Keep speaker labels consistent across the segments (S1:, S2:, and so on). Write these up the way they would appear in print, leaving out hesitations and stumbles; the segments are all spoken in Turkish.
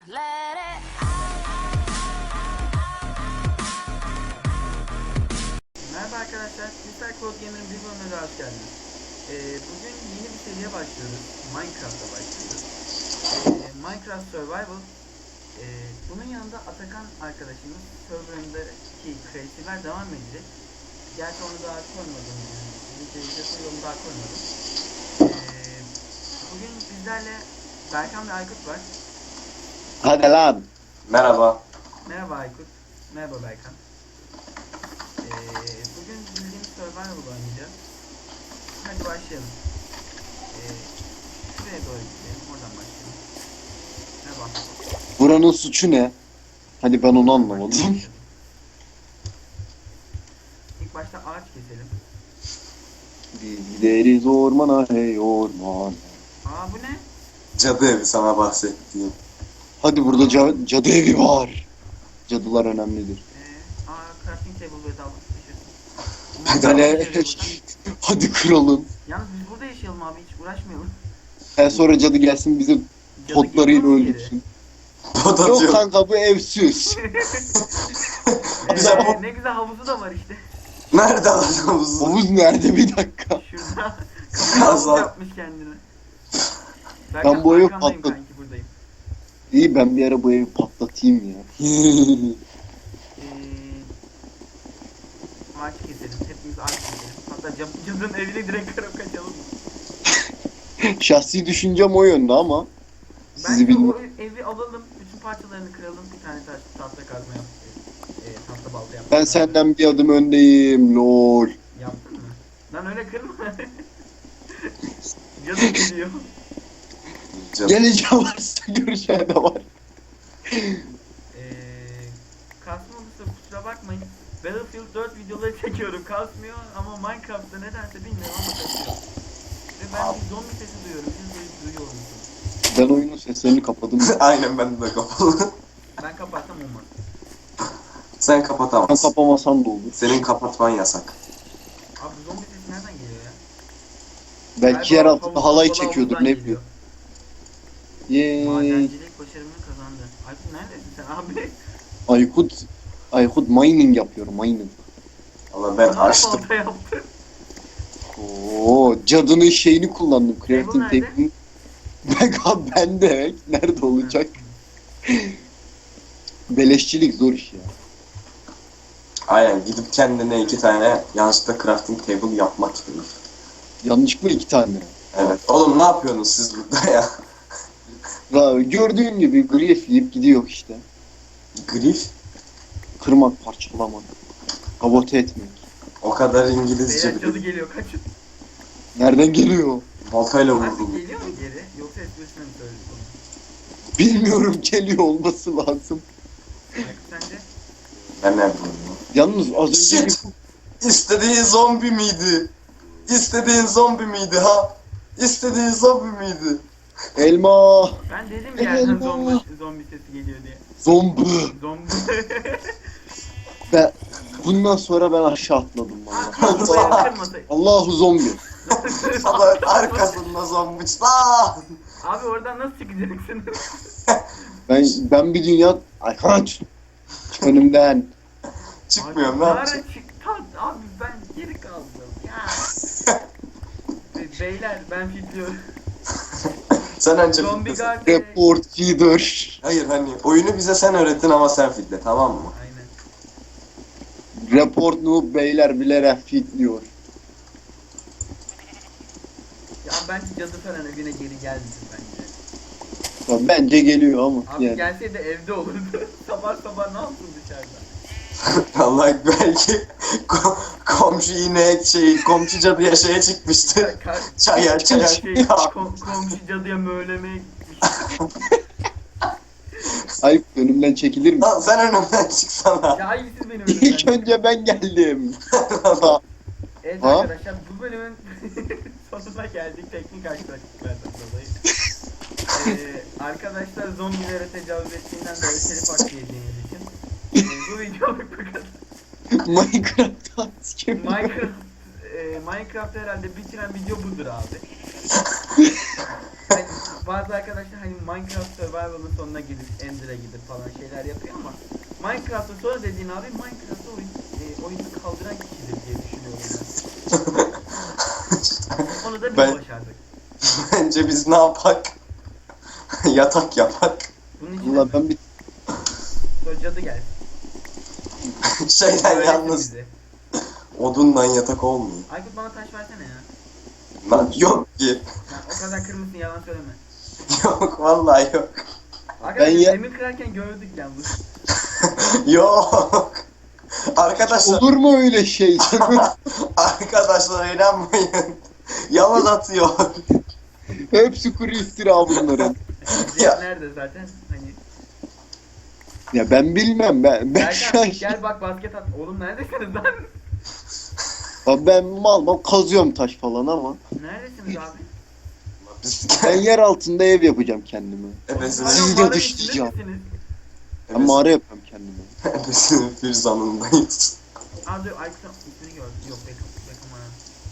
S1: Merhaba arkadaşlar, Mr. Code Gamer'ın bir bölümüne daha hoş geldiniz. Bugün yeni bir seriye başlıyoruz. Minecraft'a başlıyoruz. Minecraft Survival. Bunun yanında Atakan arkadaşımız serverındaki kreatifler devam edecek. Gerçi onu daha koymadım. Videoyu daha koymadım. Bugün bizlerle Berkan ve Aykut var.
S2: Hadi lan.
S3: Merhaba.
S1: Merhaba Aykut. Merhaba Berkan. Bugün bildiğimiz Survival oynayacağız. Hadi başlayalım. Şuraya doğru gidelim. Oradan başlayalım. Merhaba.
S2: Buranın suçu ne? Hadi ben onu anlamadım.
S1: İlk başta ağaç keselim.
S2: Gideriz ormana hey orman.
S1: Aa bu ne?
S3: Cadı evi sana bahsettiğim.
S2: Hadi burada cadı evi var. Cadılar önemlidir.
S1: Crafting table ve dalga
S2: Hadi kıralım.
S1: Yalnız biz burada yaşayalım abi, hiç uğraşmayalım.
S2: Sonra cadı gelsin bizi
S1: Cadı
S2: potlarıyla
S1: geliyor mu
S2: öldürsün.
S3: Pot
S2: Yok
S3: atıyor.
S2: kanka bu evsiz.
S1: Ne güzel havuzu da var işte.
S3: Nerede havuzu?
S2: Havuz nerede bir dakika.
S1: Şurada kapı havuz
S3: Azal.
S1: yapmış kendine.
S2: Ben bu evi
S1: arkandayım
S2: patlat-
S1: kanki, buradayım.
S2: İyi ben bir ara bu evi patlatayım ya.
S1: Ağaç keselim. Hepimiz ağaç keselim. Hatta cadının evine direkt kırıp kaçalım.
S2: Şahsi düşüncem o yönde ama sizi
S1: Bence
S2: bilmiyorum.
S1: o evi alalım. Bütün parçalarını kıralım. Bir tane tahta kazma yap. Tahta balta yap.
S2: Ben senden bir adım öndeyim lol.
S1: Yaptın mı? Lan öyle kırma. Cadı geliyor.
S3: Cadı.
S2: Geleceğim varsa göreceğim de var.
S1: Kasma olursa kusura bakmayın. Battlefield 4 videoları çekiyorum. Kasmıyor ama Minecraft'ta nedense bilmiyorum ama kasıyor. Ve ben bir zombi sesi duyuyorum. Siz duyuyor musunuz?
S2: Ben oyunun seslerini kapadım.
S3: Aynen ben de kapalı.
S1: Ben kapatsam olmaz.
S3: Sen
S2: Ben
S3: kapatamazsın.
S2: kapamasan da olur.
S3: Senin kapatman yasak.
S1: Abi zombi sesi nereden geliyor ya?
S2: Belki yer altında halay çekiyordur ne
S1: bileyim.
S2: bileyim. Yeee.
S1: Madencilik başarımını kazandı. Aykut neredesin sen abi?
S2: Aykut mining yapıyor mining.
S3: Ama ben açtım.
S1: Balta yaptı.
S2: Oo, cadının şeyini kullandım. Crafting
S1: nerede?
S2: table'ini. Ben de nerede olacak? Beleşçilik zor iş ya.
S3: Aynen gidip kendine 2 tane yanlışlıkla crafting table yapmak istedim.
S2: Yanlışlıkla 2 tane.
S3: Evet. Oğlum ne yapıyorsunuz siz burada ya?
S2: Ya, gördüğün gibi grief yiyip gidiyor işte.
S3: Grif?
S2: Kırmak, parçalamak. Sabote etmek.
S3: O kadar İngilizce
S1: Beyler cadı
S3: biliyorum.
S1: geliyor, kaçın.
S2: Nereden geliyor?
S3: Baltayla
S1: Artık
S3: vurdum.
S1: geliyor mu geri? Yoksa esprisine mi söyledik onu?
S2: Bilmiyorum, geliyor olması lazım.
S1: Aykut sence?
S3: Ben ne yapıyorum?
S2: Yalnız az önce
S3: Shit! İstediğin zombi miydi? İstediğin zombi miydi ha? İstediğin zombi miydi?
S2: elma,
S1: Ben dedim ya yerden
S2: Elma.
S1: zombi sesi geliyor diye.
S2: zombi.
S1: Zombi.
S2: Ben bundan sonra ben aşağı atladım vallahi.
S1: Kafaya kırmasaydı.
S2: Allahu zombi.
S3: Salak arkasında zombi. Aa!
S1: Abi oradan nasıl çıkacaksın?
S2: Ben bir dünya ay kaç. Çık önümden.
S3: Çıkmıyorum ne
S1: Abi,
S3: yapacağım?
S1: Abi ben geri kaldım ya. Beyler ben fitliyorum.
S3: Sen önce
S1: Zombi
S3: fitlesin.
S1: guard.
S2: Report feeder.
S3: Hayır hani oyunu bize sen öğrettin ama sen fitle tamam mı?
S1: Aynen.
S2: Report noob beyler bilerek fitliyor.
S1: Ya bence cadı falan evine geri gelmesin bence.
S2: Ya bence geliyor ama
S1: Abi
S2: yani.
S1: gelseydi evde olurdu. sabah sabah ne yapsın dışarıda?
S3: Allah belki komşu yine komşu cadıya şeye çıkmıştı. Çaya.
S1: Komşu cadıya möğlemeye gitmiş.
S2: Ay önümden çekilir mi?
S3: Lan sen önümden çıksana.
S1: Ya hayır siz benim
S2: İlk
S1: önümden.
S2: önce ben geldim.
S1: Evet
S2: Ha?
S1: arkadaşlar bu bölümün sonuna geldik teknik aksaklıklardan dolayı. Arkadaşlar zombilere tecavüz ettiğinden dolayı telif hakkı yediğimiz için bu videoluk bu kadar.
S2: Minecraft'ta kim?
S1: Minecraft herhalde bitiren video budur abi. Hani bazı arkadaşlar hani Minecraft Survival'ın sonuna gidip Ender'e gidip falan şeyler yapıyor ama Minecraft'ın sonra dediğin abi Minecraft'ı oyunu kaldıran kişidir diye düşünüyorum ben. Onu da biz
S3: Ben-
S1: başardık.
S3: Bence biz ne yapak? Yatak yapak.
S1: Bunun için
S2: Valla ben bir
S1: sonra cadı gelsin.
S3: Şeyden
S1: Öğretsin
S3: yalnız
S1: bize.
S3: odundan yatak olmuyor.
S1: Aykut bana taş versene ya.
S3: Lan yok ki.
S1: O kadar kırmızısın yalan söyleme.
S3: Yok vallahi yok.
S1: Arkadaşlar
S2: ya-
S1: demir kırarken gördük yalnız.
S3: Yok. Arkadaşlar,
S2: olur mu öyle şey?
S3: arkadaşlar inanmayın. Yalan atıyor.
S2: Hepsi kuru iftira bunların.
S3: Ya.
S1: Nerede zaten hani.
S2: Ya ben bilmem ben şu an
S1: Berkan gel bak basket at. Oğlum neredesiniz lan?
S2: Abi ben mal kazıyorum taş falan ama
S1: Neredesiniz abi?
S3: Biz
S2: ben yer altında ev yapacağım kendime.
S3: ebesinin,
S1: Hala
S2: Sizi
S1: mağaranın
S2: yatıştıracağım.
S1: içinde misiniz?
S2: Ben mağara yapıyorum kendime.
S3: ebesinin firzanındayız.
S1: Aa dur Aykut'un ismini gördüm. Yok Beckham ha.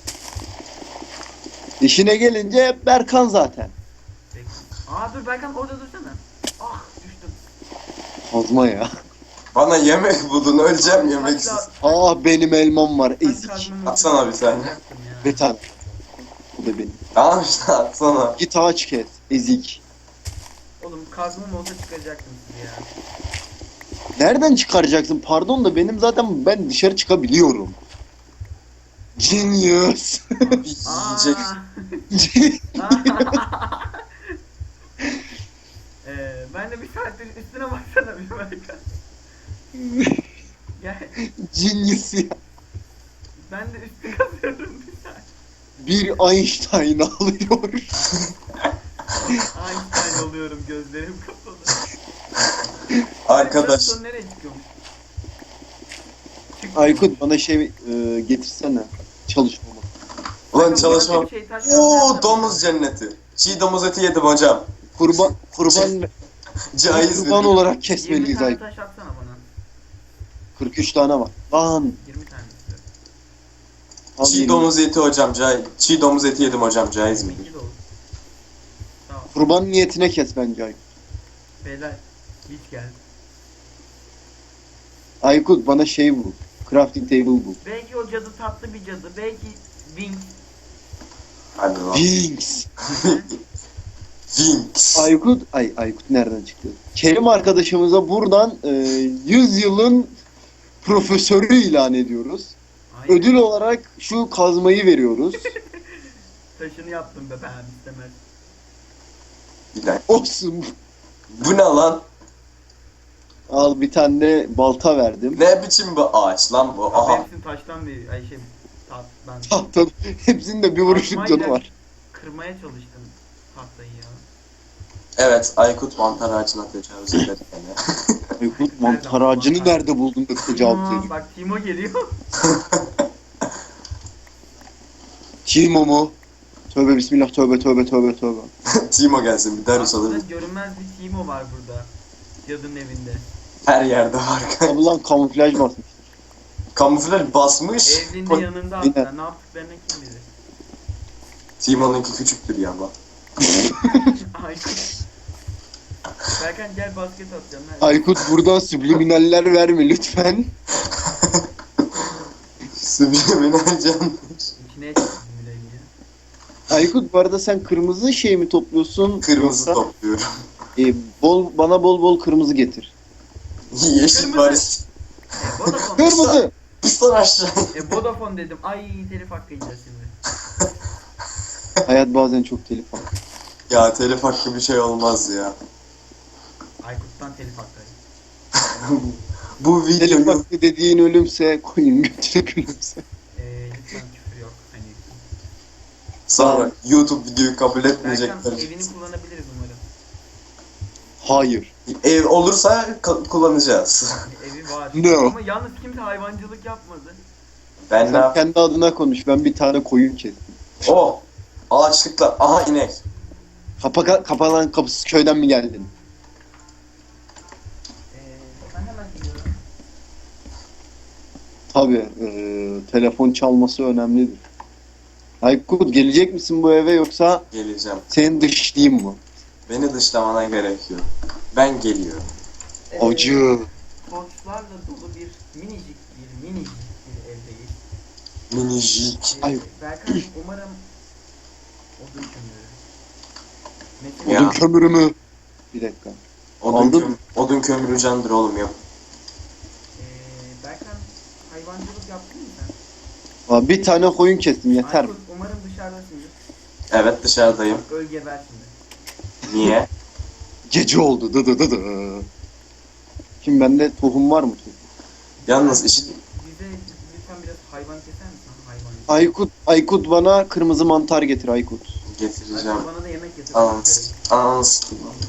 S2: İşine gelince hep Berkan zaten.
S1: Beckham. Aa dur Berkan orada dursana. Ah düştüm.
S2: Kazma ya.
S3: Bana yemek bulun, öleceğim yemeksiz.
S2: Ah benim elmam var ezik.
S3: Atsana bir tane.
S2: Bir tane. Bu da benim.
S3: Tamam işte atsana.
S2: Git ağaç kes. Ezik.
S1: Oğlum kazmam olsa çıkaracaktım sizi ya.
S2: Nereden çıkaracaksın? Pardon da benim zaten ben dışarı çıkabiliyorum. Genius.
S3: Bir yiyecek.
S1: Ben de bir saattir üstüne baksana bir Berkan. Gel.
S2: Genius ya.
S1: Ben de üstü kazıyorum bir saat.
S2: Bir Einstein alıyor.
S1: Einstein oluyorum gözlerim kapalı.
S3: Arkadaş.
S1: Son nereye çıkıyormuş?
S2: Aykut bana şey getirsene. Çalışmama.
S3: Ulan çalışmam.
S1: Bir şey, taş
S3: Oo
S1: kazma
S3: domuz cenneti. Çiğ domuz eti yedim hocam.
S2: Kurban
S3: Caiz
S2: kurban
S3: mi?
S2: olarak
S1: 20
S2: kesmeliyiz
S1: tane
S2: Aykut.
S1: taş atsana bana.
S2: 43 tane var. Lan.
S1: 20 tane istiyorum.
S2: al
S3: Çiğ
S2: yeni.
S3: domuz eti hocam. Çiğ domuz eti yedim hocam. Caiz mi?
S1: 22 de olur. Tamam.
S2: Kurban niyetine kes bence Aykut.
S1: Beyler hiç geldi.
S2: Aykut bana şey bul. Crafting table bul.
S1: Belki o cadı tatlı bir cadı. Belki Wing.
S3: Hadi lan.
S2: Wings.
S3: Winx.
S2: Aykut nereden çıktı? Kerim arkadaşımıza buradan 100 yılın profesörü ilan ediyoruz.
S1: Aynen.
S2: Ödül olarak şu kazmayı veriyoruz.
S1: Taşını yaptım be ben istemez.
S3: Bir dakika.
S2: Olsun.
S3: Bu ne lan?
S2: Al bir tane de balta verdim.
S3: Ne biçim bir ağaç lan bu?
S1: Abi
S3: Aha.
S1: hepsini taştan bir ay şey tatlıdan
S2: Tahta hepsinin de bir vuruşluk
S1: Kazmayla
S2: canı var.
S1: kırmaya çalıştım tahtayı ya.
S3: Evet, Aykut mantar ağacına tecavüz eder yani.
S2: Aykut mantar ağacını nerede buldun da tecavüz
S1: Aa,
S2: ediyor?
S1: bak Timo geliyor.
S2: Timo mu? Tövbe bismillah tövbe tövbe tövbe tövbe.
S3: Timo gelsin bir ders
S1: Aslında
S3: alır.
S1: görünmez bir Timo var burada. Cadının evinde.
S3: Her yerde var.
S2: Abi lan kamuflaj basmış.
S3: Kamuflaj basmış.
S1: Evlinde yanında hatta ne yaptıklarını kim bilir.
S3: Timo'nunki küçüktür ya ama.
S1: Ay. Berkan gel basket atacağım.
S2: Aykut buradan subliminaller verme lütfen.
S3: Subliminal can.
S1: İçine çıktım bile ya.
S2: Aykut bu arada sen kırmızı şey mi topluyorsun?
S3: Kırmızı
S2: Yoksa,
S3: topluyorum.
S2: bana bol bol kırmızı getir.
S3: Yeşil
S1: Kırmızı.
S3: Paris.
S1: Vodafone.
S2: Kırmızı!
S3: Piston aşağı.
S1: Vodafone dedim. Ay telif hakkı yiyeceğiz şimdi.
S2: Hayat bazen çok telif alır.
S3: Ya telif hakkı bir şey olmaz ya.
S1: Aykut'tan telif hakkı.
S3: Bu
S2: Telif
S3: videoyu
S2: hakkı dediğin ölümse koyun götüne gülümse.
S1: Lütfen küfür yok. Hani.
S3: sonra YouTube videoyu kabul
S1: Berkan
S3: etmeyecekler.
S1: evini kullanabiliriz umarım.
S2: Hayır.
S3: Ev olursa kullanacağız.
S1: Evi var.
S2: No.
S1: Ama yalnız kimse hayvancılık yapmadı.
S3: Ben ne
S2: Sen
S3: yap?
S2: kendi adına konuş. Ben bir tane koyun kestim.
S3: Oh! Ağaçlıklar. Aha inek.
S2: Kapanan kapısı köyden mi geldin?
S1: Ben hemen gidiyorum.
S2: Tabii. Telefon çalması önemlidir. Aykut gelecek misin bu eve yoksa
S3: Geleceğim.
S2: seni dışlayayım mı?
S3: Beni dışlamana gerek yok. Ben geliyorum.
S2: Acı.
S1: Torçlarla dolu bir minicik bir evdeyiz.
S3: Minicik.
S2: Ay.
S1: Berkan umarım odun kömürü. Metin
S3: Ya.
S2: Odun kömürü mü? Bir dakika. Aldın.
S3: Odun kömürü candır oğlum yap.
S1: Berkan hayvancılık yaptın mı sen?
S2: Aa, bir tane koyun kestim yeter mi?
S1: Aykut umarım dışarıdasındır.
S3: Evet dışarıdayım.
S1: Öl geber şimdi.
S3: Niye?
S2: Gece oldu. Dı dı dı dı. Şimdi bende tohum var mı tohum?
S3: Yalnız iş...
S1: Bize lütfen biraz hayvan keser misin? Hayvan.
S2: Aykut bana kırmızı mantar getir Aykut.
S3: getireceğim.
S1: Aykut bana da yemek getir.
S3: Ananas. Ananas.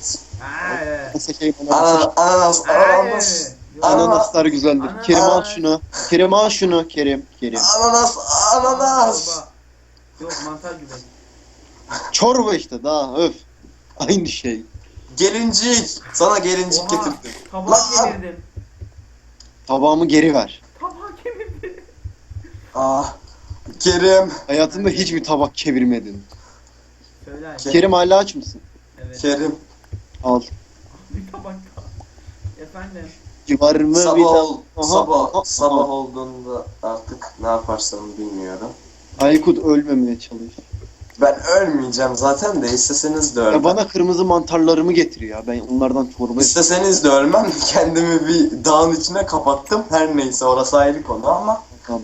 S2: Nasıl şey bana
S3: Ananas. Ananas.
S2: Ananaslar güzeldir.
S1: Ananas.
S2: Kerim al şunu. Kerim al şunu. Kerim.
S3: Ananas. Ananas.
S1: Yok mantar gibi.
S2: Çorba işte daha öf. Aynı şey.
S3: Gelincik. Sana gelincik
S1: Oha,
S3: getirdim.
S1: tabağı
S3: Lan!
S1: kemirdim.
S2: Tabağımı geri ver.
S1: Tabağı kemirdim.
S3: Ah. Kerim.
S2: Hayatımda hiçbir tabak kevirmedin.
S1: Söyle Aykut.
S2: Kerim hala aç mısın?
S1: Evet.
S3: Kerim.
S2: Al.
S1: Bir tabak daha. Efendim.
S2: Var mı bir tabak?
S3: Sabah olduğunda artık ne yaparsam bilmiyorum.
S2: Aykut ölmemeye çalış.
S3: Ben ölmeyeceğim zaten de isteseniz de ölmem.
S2: Ya bana kırmızı mantarlarımı getir ya. Ben onlardan çorba yapayım.
S3: İsteseniz de ölmem. Kendimi bir dağın içine kapattım. Her neyse orası ayrı konu ama
S2: Tamam.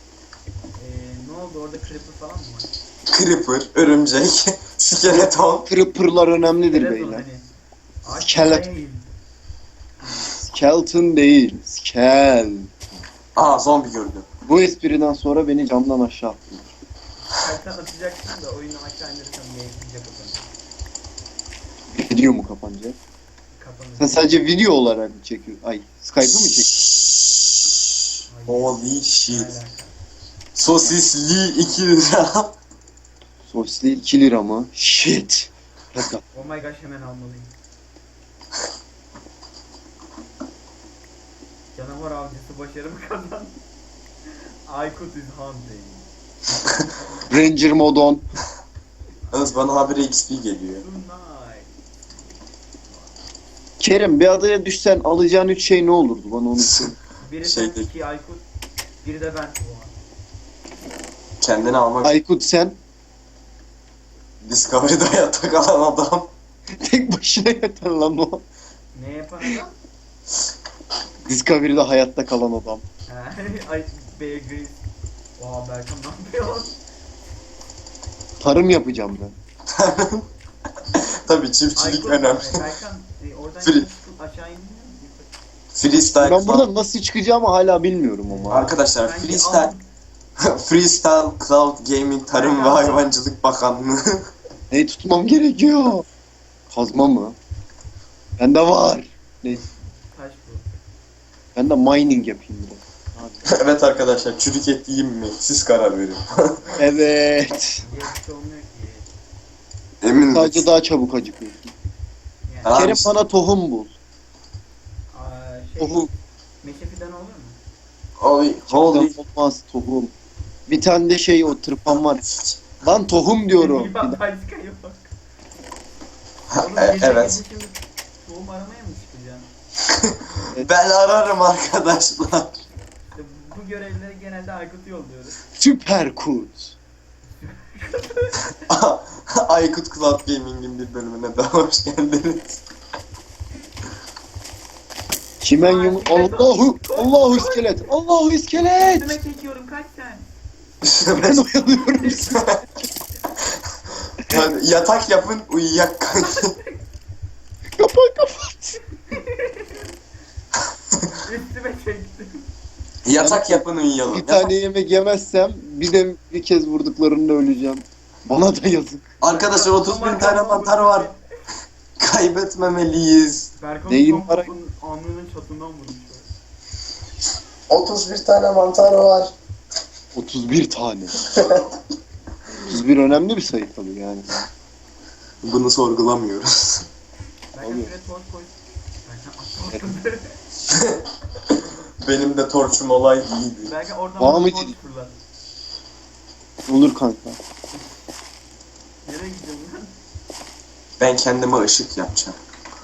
S1: Ne oldu orada creeper falan mı var?
S3: Creeper, örümcek, skeleton.
S2: Creeper'lar önemlidir
S1: Skeleton
S2: beyler.
S1: hani. Ağaç
S2: Skeleton.
S1: değil.
S2: Skeleton değil. Skel.
S3: Aa zombi gördüm.
S2: Bu espriden sonra beni camdan aşağı attın.
S1: Kalpten atacaksın da oyunu aşağı indirirsen yayınlayacak o zaman.
S2: Video mu kapanacak?
S1: Kapanır.
S2: Sen sadece video olarak mı çekiyorsun? Ay, Skype'ı mı çekiyorsun?
S3: Holy
S1: Ne
S3: shit.
S1: alaka?
S3: Sosisli 2 lira.
S2: Sosli 2 lira mı? Shit. Dakika.
S1: Oh my gosh hemen almalıyım. Canavar avcısı başarımı kazandı. Aykut is hunting.
S2: Ranger modon.
S3: Yalnız bana habire XP geliyor.
S1: Tonight.
S2: Kerim bir adaya düşsen alacağın 3 şey ne olurdu? Bana onu söyle.
S1: Biri
S3: Şey
S1: sen,
S3: değil.
S1: iki Aykut, biri de ben. Oha.
S3: Kendini almak
S2: Aykut sen
S3: Discovery'da hayatta kalan adam.
S2: tek başına yeter lan o.
S1: Ne yapan adam?
S2: Discovery'de hayatta kalan adam.
S1: Ay Bear Grylls. Oha Berkan ne yapıyor?
S2: Tarım yapacağım ben.
S3: Tabii çiftçilik
S1: Aykut,
S3: önemli.
S1: Berkan oradan
S3: Free.
S1: çıkıp aşağı indin mi?
S3: Freestyle.
S2: Ben buradan nasıl çıkacağımı hala bilmiyorum ama.
S3: Arkadaşlar
S1: Bence
S3: freestyle. Freestyle Cloud Gaming Tarım ve Hayvancılık Bakanlığı.
S2: Neyi tutmam gerekiyor? Kazma mı? Bende var. Neyse.
S1: Taş bu.
S2: Ben de mining yapayım biraz. Hadi.
S3: Evet arkadaşlar çürük et yiyeyim mi? Siz karar verin.
S2: Evet.
S1: Diye bir şey olmuyor ki.
S3: Emin
S2: Sadece
S3: misin?
S2: daha çabuk acıkıyorsun.
S1: Yani,
S3: Tamam.
S2: Kerim bana tohum bul. Tohum.
S1: meşe fidanı olur mu?
S3: Holy.
S2: Holy. Olmaz tohum. Bir tane de şey o tırpan var. Lan tohum diyorum.
S1: Ya başka yok. Oğlum
S3: Evet.
S1: gece şimdi tohum aramaya mı çıkacaksın?
S3: Ben ararım arkadaşlar.
S1: İşte bu görevleri genelde Aykut'u yolluyoruz.
S2: Süper kurt.
S3: Aykut Cloud Gaming'in bir bölümüne daha hoş geldiniz.
S2: Çimen yum... Allahu iskelet. Allahu iskelet.
S1: Üstüme çekiyorum kaç sen?
S2: Ben oyalıyorum sizi.
S3: Yani yatak yapın uyuyak kanki.
S2: Kapat.
S1: Üstüme çektim.
S3: Yatak yapın uyuyalım.
S2: Bir tane yemek yemezsem bir kez vurduklarında öleceğim. Bana da yazık.
S3: Arkadaşlar 31 tane mantar var. Kaybetmemeliyiz.
S1: Berkan
S2: Neyim
S1: son
S2: var?
S1: kapının alnının çatından vurmuş.
S3: 31 tane mantar var.
S2: 31 tane. 31 önemli bir sayı tabii yani.
S3: Bunu sorgulamıyoruz.
S1: Berkan
S2: Oluyor.
S1: şuraya torç koy. Berkan atladı.
S3: Benim de torçum olay iyiydi.
S1: Berkan oradan
S2: Var
S1: bana
S2: mı
S1: torç
S2: ki?
S1: fırlat.
S2: Olur kanka.
S1: Nereye gidiyorsun lan?
S3: Ben kendime ışık yapacağım.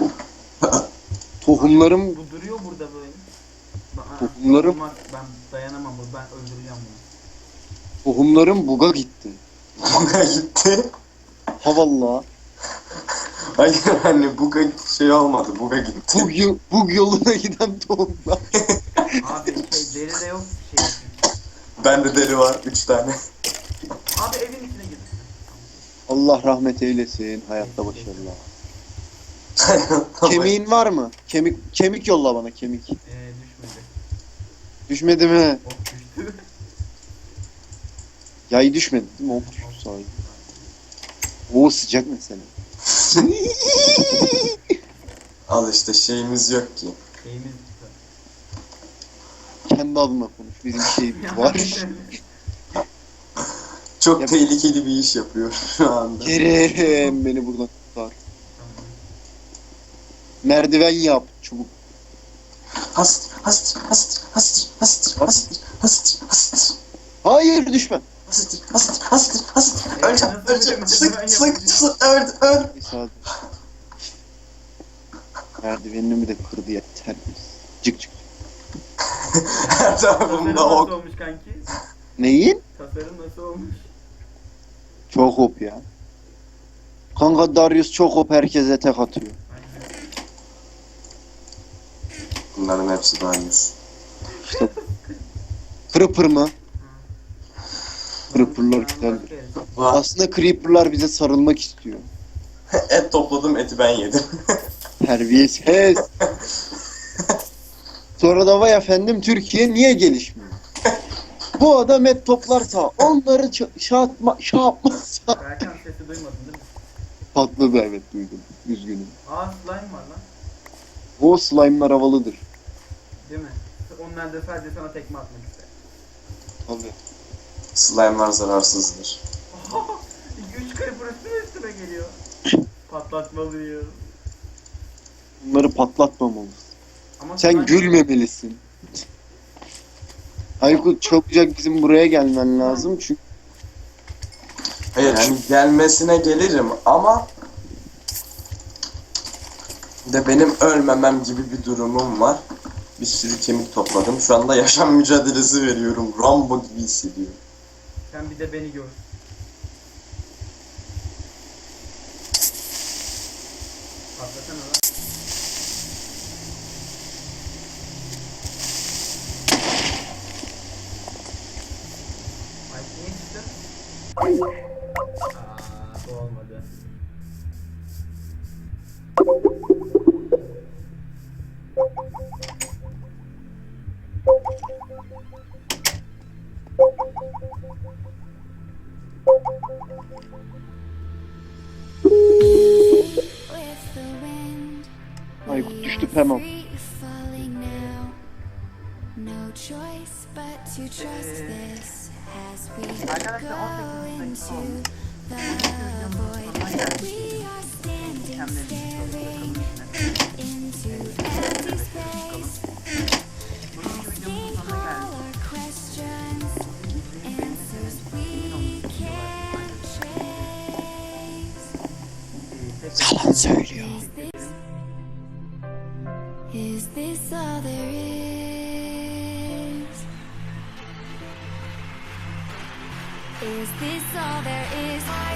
S2: Tohumlarım
S1: Bu duruyor burada böyle.
S2: Tohumlarım-
S1: Olmaz, ben dayanamam bu. Ben öldüreceğim bunu.
S2: tohumlarım buga gitti.
S3: Buga gitti.
S2: Ha valla.
S3: Hayır hani buga şey olmadı. Buga gitti.
S2: Bug yoluna giden tohumlar.
S1: Abi deri de yok şey.
S3: Bende deri var 3 tane.
S1: Abi evin içine gir.
S2: Allah rahmet eylesin. Hayatta başarılar. Kemiğin var mı? Kemik yolla bana kemik.
S1: Düşmedi.
S2: Düşmedi mi?
S1: Ok düştü.
S2: Yay düşmedi değil mi? Ok düştü sahi. Oo sıcak mesela.
S3: Al işte şeyimiz yok ki.
S1: Şeyimiz düştü.
S2: Kendi adına konuş. Bizim şeyimiz var.
S3: Çok
S2: Ya-
S3: tehlikeli bir iş yapıyor şu anda.
S2: Kerem beni buradan kurtar.
S1: Tamam.
S2: Merdiven yap çubuk.
S3: Hastır, hastır, hastır, hastır, hastır, hastır, hastır, hastır.
S2: Hayır düşme.
S3: Hastır, hastır, hastır, hastır.
S1: Evet,
S3: Öleceğim,
S1: nasıl
S3: öleceğim.
S1: öleceğim? Ben
S3: Sık,
S1: yapacağım.
S3: sık, öl.
S2: Neyse hadi. Merdivenimi de kırdı ya terbiyesiz. Cık cık.
S3: Her
S1: Tasarım
S3: tarafımda
S1: nasıl
S3: ok.
S1: olmuş kanki?
S2: Neyin?
S1: Tasarım nasıl olmuş?
S2: Çok hop ya. Kanka Darius çok hop herkese tek atıyor.
S1: Aynen.
S3: Bunların hepsi Darius.
S2: İşte Creeper mı? Creeper'lar
S1: Ben
S2: güzeldir.
S1: başka yere-
S2: Aslında Creeper'lar bize sarılmak istiyor.
S3: Et topladım, eti ben yedim.
S2: Terbiyesiz. Sonra da vay efendim Türkiye niye gelişmiyor? Bu adam et toplarsa onları şey yapmazsa.
S1: Berkan sesi duymadın değil mi?
S2: Patladı evet duydum. Üzgünüm.
S1: Aa slime var lan.
S2: O slime'lar havalıdır.
S1: Değil mi? Onlar da sadece sana tekme atmak ister.
S2: Tabii.
S3: Slime'lar zararsızdır.
S1: 2-3 creeper üstüme geliyor. Patlatmalıyım.
S2: Bunları patlatmamalısın.
S1: Ama
S2: Sen
S1: slime-
S2: gülmemelisin. Aykut çabucak bizim buraya gelmen lazım çünkü
S3: Hayır hani gelmesine gelirim ama de benim ölmemem gibi bir durumum var. Bir sürü kemik topladım. Şu anda yaşam mücadelesi veriyorum. Rambo gibi hissediyorum.
S1: Sen bir de beni gör. Patlasana lan. Ay niye çıktı? Bu olmadı.
S2: Aykut düştü tamam.
S4: No choice but to trust this as we
S1: Arkadaşlar
S4: go
S1: 18 dakika
S4: into
S1: oldu.
S4: the void. We are standing, staring into empty space, asking all our questions, answers we can't trace.
S2: Yalan söylüyor.
S4: Is this all there is? Is this all there is?